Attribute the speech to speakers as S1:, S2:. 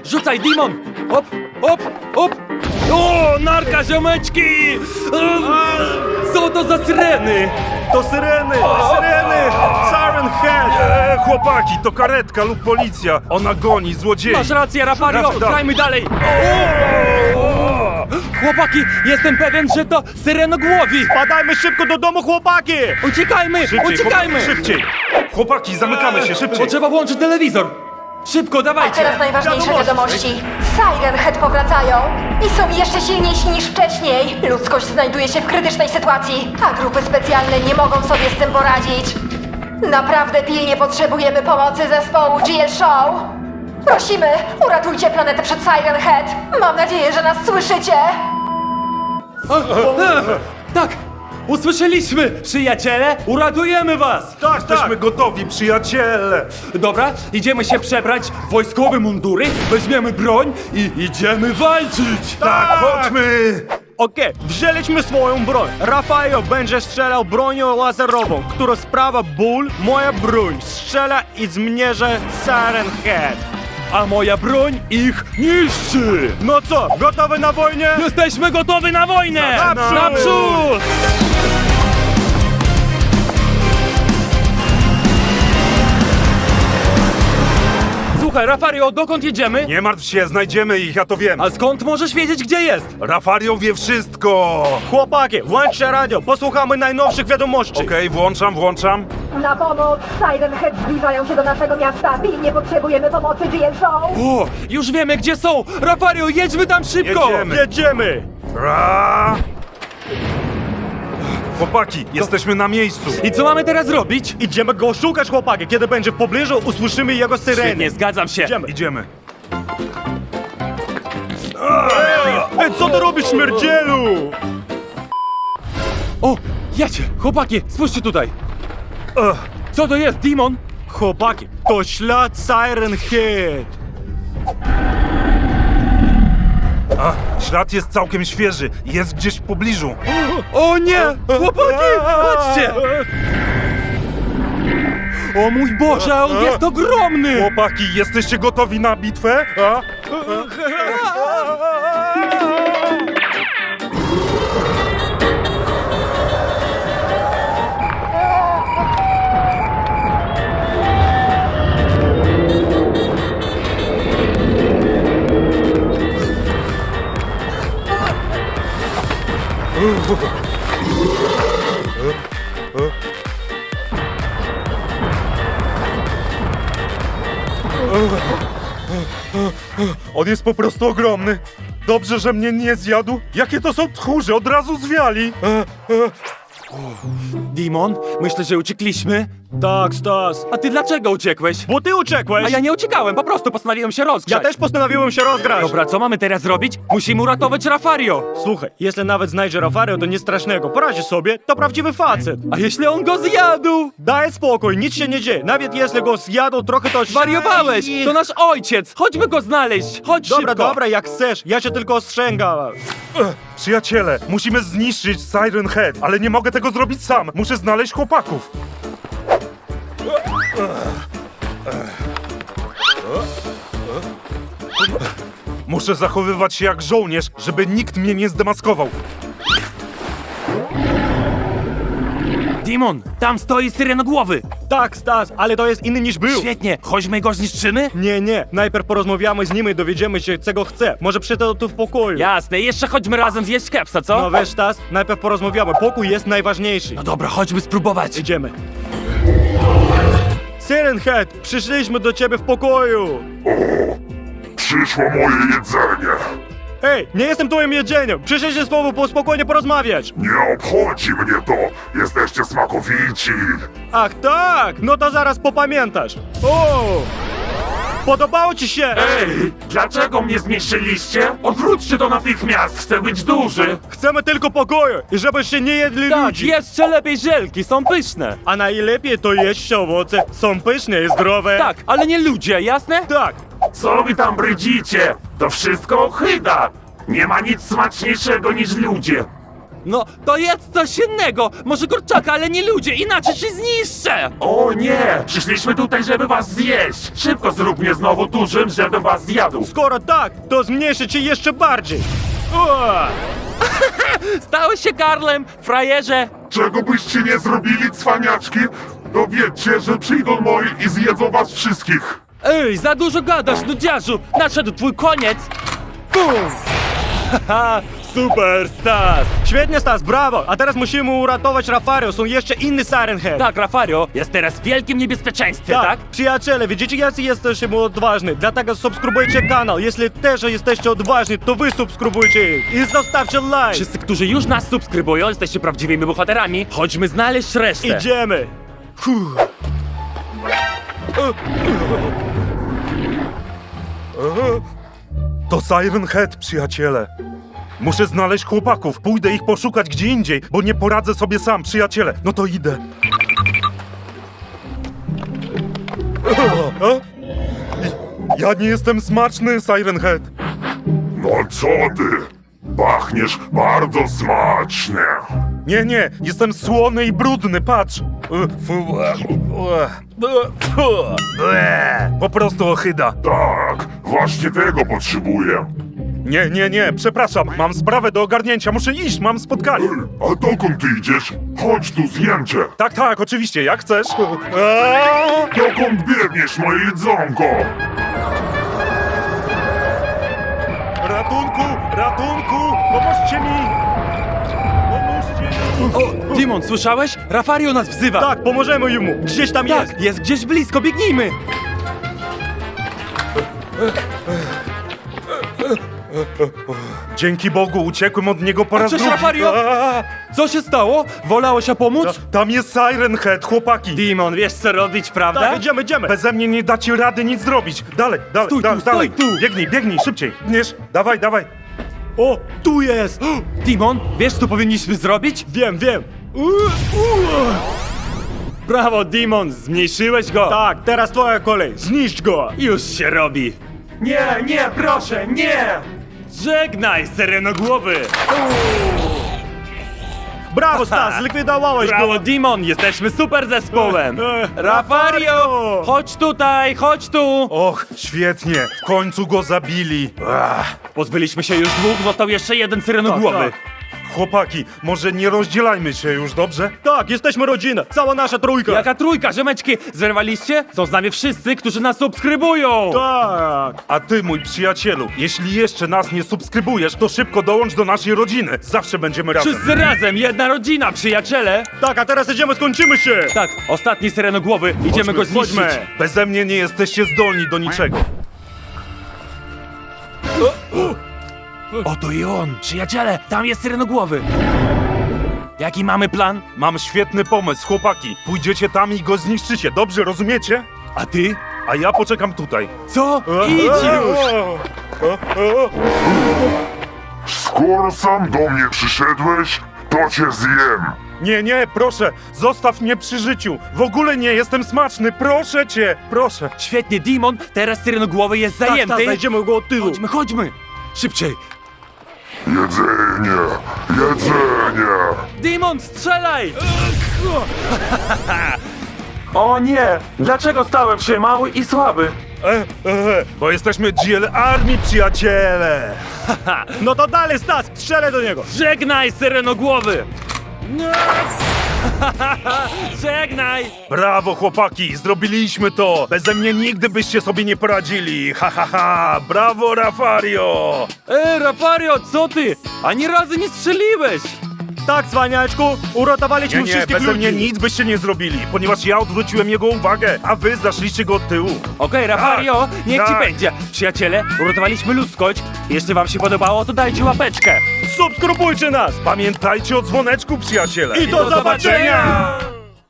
S1: Rzucaj, Dimon! Op, op, op! O, narka, ziomeczki! Co to za syreny?
S2: To syreny! Syreny! Siren Head!
S3: Chłopaki, to karetka lub policja. Ona goni złodziei.
S1: Masz rację, Rafario!
S3: Tak.
S1: Grajmy dalej! Chłopaki, jestem pewien, że to syrenogłowi!
S2: Padajmy szybko do domu, chłopaki!
S1: Uciekajmy! Uciekajmy!
S3: Szybciej! Chłopaki, zamykamy się, szybciej!
S1: Potrzeba włączyć telewizor! Szybko,
S4: A
S1: dawajcie!
S4: teraz najważniejsze wiadomości. Siren Head powracają i są jeszcze silniejsi niż wcześniej. Ludzkość znajduje się w krytycznej sytuacji, a grupy specjalne nie mogą sobie z tym poradzić. Naprawdę pilnie potrzebujemy pomocy zespołu GL Show. Prosimy, uratujcie planetę przed Siren Head. Mam nadzieję, że nas słyszycie.
S1: Tak! Usłyszeliśmy! Przyjaciele, uratujemy was!
S2: Tak,
S3: Jesteśmy gotowi, przyjaciele!
S1: Dobra, idziemy się przebrać w wojskowe mundury, weźmiemy broń i idziemy walczyć!
S3: Tak, chodźmy!
S2: Okej, wzięliśmy swoją broń. Rafael będzie strzelał bronią laserową, która sprawia ból. Moja broń strzela i zmierza Siren Head.
S1: A moja broń ich niszczy!
S2: No co, gotowy na wojnę?
S1: Jesteśmy gotowi na wojnę!
S2: Naprzód!
S1: Naprzód! Słuchaj, Rafario, dokąd jedziemy?
S3: Nie martw się, znajdziemy ich, ja to wiem.
S1: A skąd możesz wiedzieć, gdzie jest?
S3: Rafario wie wszystko!
S2: Chłopaki, włączcie radio, posłuchamy najnowszych wiadomości.
S3: Okej, włączam.
S4: Na pomoc! Siren Head zbliżają się do naszego miasta. Pilnie potrzebujemy pomocy GL Show.
S1: O, już wiemy, gdzie są! Rafario, jedźmy tam szybko!
S3: Jedziemy.
S2: Jedziemy!
S3: Ra! Chłopaki, jesteśmy na miejscu.
S1: I co mamy teraz robić?
S2: Idziemy go szukać, chłopaki. Kiedy będzie w pobliżu, usłyszymy jego syreny.
S1: Świetnie, zgadzam się.
S2: Idziemy.
S3: Idziemy.
S2: Ej, co ty robisz, śmierdzielu?
S1: O, jacie, chłopaki, spójrzcie tutaj. Co to jest, Dimon?
S2: Chłopaki, to ślad Siren Head.
S3: Ślad jest całkiem świeży. Jest gdzieś w pobliżu.
S1: O nie! Chłopaki, patrzcie! O mój Boże, on jest ogromny!
S3: Chłopaki, jesteście gotowi na bitwę? A? On jest po prostu ogromny. Dobrze, że mnie nie zjadł. Jakie to są tchórze, od razu zwiali.
S1: Dimon, myślę, że uciekliśmy.
S2: Tak, Stas.
S1: A ty dlaczego uciekłeś?
S2: Bo ty uciekłeś.
S1: A ja nie uciekałem, po prostu postanowiłem się rozgrzać.
S2: Ja też postanowiłem się rozgrać.
S1: Dobra, co mamy teraz zrobić? Musimy uratować Rafario.
S2: Słuchaj, jeśli nawet znajdzie Rafario, to nic strasznego. Poradzi sobie, to prawdziwy facet.
S1: A jeśli on go zjadł?
S2: Daj spokój, nic się nie dzieje. Nawet jeśli go zjadł, trochę to...
S1: Wariowałeś! To nasz ojciec! Chodźmy go znaleźć! Chodź
S2: Dobra,
S1: szybko!
S2: dobra, jak chcesz. Ja cię tylko ostrzegam.
S3: Przyjaciele, musimy zniszczyć Siren Head, ale nie mogę tego zrobić sam. Muszę znaleźć chłopaków. Muszę zachowywać się jak żołnierz, żeby nikt mnie nie zdemaskował.
S1: Dimon, tam stoi syrenogłowy!
S2: Tak, Stas, ale to jest inny niż był.
S1: Świetnie, chodźmy go zniszczymy?
S2: Nie. Najpierw porozmawiamy z nim i dowiedziemy się, czego chce. Może przyjdę tu w pokoju.
S1: Jasne, jeszcze chodźmy razem zjeść kepsa, co?
S2: No wiesz, Stas, najpierw porozmawiamy. Pokój jest najważniejszy.
S1: No dobra, chodźmy spróbować.
S2: Idziemy. Siren Head, przyszliśmy do ciebie w pokoju.
S5: Przyszło moje jedzenie.
S2: Ej, nie jestem twoim jedzeniem. Przyszliście z tobą spokojnie porozmawiać.
S5: Nie obchodzi mnie to. Jesteście smakowici.
S2: Ach tak, no to zaraz popamiętasz. O! Podobało ci się?
S6: Ej, dlaczego mnie zniszczyliście? Odwróćcie to natychmiast, chcę być duży!
S2: Chcemy tylko pokoju i żebyście nie jedli
S1: Tak,
S2: ludzi.
S1: jeszcze lepiej żelki, są pyszne.
S2: A najlepiej to jeść owoce. Są pyszne i zdrowe.
S1: Tak, ale nie ludzie, jasne?
S2: Tak.
S6: Co wy tam brydzicie? To wszystko ochyda! Nie ma nic smaczniejszego niż ludzie!
S1: No, to jest coś innego! Może kurczaka, ale nie ludzie, inaczej się zniszczę!
S6: O nie! Przyszliśmy tutaj, żeby was zjeść! Szybko zrób mnie znowu dużym, żebym was zjadł!
S2: Skoro tak, to zmniejszę cię jeszcze bardziej. O!
S1: Stałeś się Karlem, frajerze!
S5: Czego byście nie zrobili, cwaniaczki, to wiedzcie, że przyjdą moi i zjedzą was wszystkich.
S1: Ej, za dużo gadasz, nudziarzu! Nadszedł twój koniec! Bum! Haha, super, Stas!
S2: Świetnie, Stas, brawo! A teraz musimy uratować Rafario, są jeszcze inny Siren Head.
S1: Tak, Rafario jest teraz w wielkim niebezpieczeństwie, tak?
S2: Przyjaciele, widzicie, jacy jesteśmy odważni, dlatego subskrybujcie kanał. Jeśli też jesteście odważni, to wy subskrybujcie i zostawcie like.
S1: Wszyscy, którzy już nas subskrybują, jesteście prawdziwymi bohaterami. Chodźmy znaleźć resztę.
S2: Idziemy.
S3: To Siren Head, przyjaciele. Muszę znaleźć chłopaków. Pójdę ich poszukać gdzie indziej, bo nie poradzę sobie sam, przyjaciele. No to idę. Ja nie jestem smaczny, Siren Head.
S5: No co ty? Pachniesz bardzo smacznie.
S3: Nie, jestem słony i brudny, patrz. Po prostu ochyda.
S5: Tak, właśnie tego potrzebuję.
S3: Nie, przepraszam, mam sprawę do ogarnięcia, muszę iść, mam spotkanie.
S5: A dokąd ty idziesz? Chodź tu, zjem cię.
S3: Tak, oczywiście, jak chcesz.
S5: Dokąd biegniesz, moje jedzonko?
S3: Ratunku, pomóżcie mi!
S1: O, Dimon, słyszałeś? Rafario nas wzywa!
S2: Tak, pomożemy mu, gdzieś tam jest.
S1: Tak, jest gdzieś blisko, biegnijmy!
S3: Dzięki Bogu, uciekłem od niego po raz
S1: cześć,
S3: drugi.
S1: Rafario! Co się stało? Wolałeś pomóc?
S3: Tam jest Siren Head, chłopaki.
S1: Dimon, wiesz co robić, prawda?
S2: Tak, idziemy.
S3: Beze mnie nie dacie rady nic zrobić. Dalej,
S1: Stój tu,
S3: dalej.
S1: stój tu.
S3: Biegnij, szybciej. Biegniesz, dawaj.
S2: O, tu jest.
S1: Dimon, wiesz co powinniśmy zrobić?
S2: Wiem.
S1: Brawo, Dimon, zmniejszyłeś go!
S2: Tak, teraz twoja kolej, zniszcz go.
S1: Już się robi!
S6: Nie, proszę, nie!
S1: Żegnaj, Syrenogłowy!
S2: Brawo, Stas, zlikwidowałeś
S1: Brawo,
S2: go.
S1: Dimon, jesteśmy super zespołem!
S2: Rafario!
S1: Rafario! Chodź tutaj, chodź tu!
S3: Och, świetnie, w końcu go zabili.
S1: Pozbyliśmy się już dwóch, został jeszcze jeden Syrenogłowy.
S2: Tak.
S3: Chłopaki, może nie rozdzielajmy się już, dobrze?
S2: Tak, jesteśmy rodzina, cała nasza trójka.
S1: Jaka trójka, ziomeczki! Zerwaliście? Są z nami wszyscy, którzy nas subskrybują!
S2: Tak.
S3: A ty, mój przyjacielu, jeśli jeszcze nas nie subskrybujesz, to szybko dołącz do naszej rodziny. Zawsze będziemy razem.
S1: Wszyscy razem, jedna rodzina, przyjaciele!
S2: Tak, a teraz idziemy, skończymy się.
S1: Tak, ostatni Syrenogłowy, idziemy go zniszczyć.
S2: chodźmy.
S3: Beze mnie nie jesteście zdolni do niczego.
S1: Oto i on! Przyjaciele, tam jest Syrenogłowy! Jaki mamy plan?
S3: Mam świetny pomysł, chłopaki. Pójdziecie tam i go zniszczycie, dobrze, rozumiecie?
S1: A ty?
S3: A ja poczekam tutaj.
S1: Co? Idź już!
S5: Skoro sam do mnie przyszedłeś, to cię zjem.
S3: Nie, proszę, zostaw mnie przy życiu. W ogóle nie jestem smaczny, proszę cię, proszę.
S1: Świetnie, Dimon, teraz Syrenogłowy jest
S2: Tak,
S1: zajęty.
S2: Stas, znajdziemy go od tyłu.
S1: Chodźmy! Szybciej!
S5: Jedzenie.
S1: Dimon, strzelaj!
S6: O nie! Dlaczego stałem się mały i słaby?
S3: Bo jesteśmy GL Army, przyjaciele.
S2: No to dalej, Stas, strzelę do niego.
S1: Żegnaj, Syrenogłowy! Żegnaj!
S3: Brawo, chłopaki, zrobiliśmy to. Beze mnie nigdy byście sobie nie poradzili. Brawo, Rafario.
S1: Rafario, co ty? Ani razu nie strzeliłeś!
S2: Tak, cwaniaczku, uratowaliśmy
S3: Nie,
S2: wszystkich
S3: beze
S2: ludzi.
S3: mnie nic byście nie zrobili, ponieważ ja odwróciłem jego uwagę, a wy zaszliście go od tyłu.
S1: Okej, Rafario, niech ci
S3: tak.
S1: będzie. Przyjaciele, uratowaliśmy ludzkość. Jeśli wam się podobało, to dajcie łapeczkę.
S2: Subskrybujcie nas.
S3: Pamiętajcie o dzwoneczku, przyjaciele.
S2: I do zobaczenia.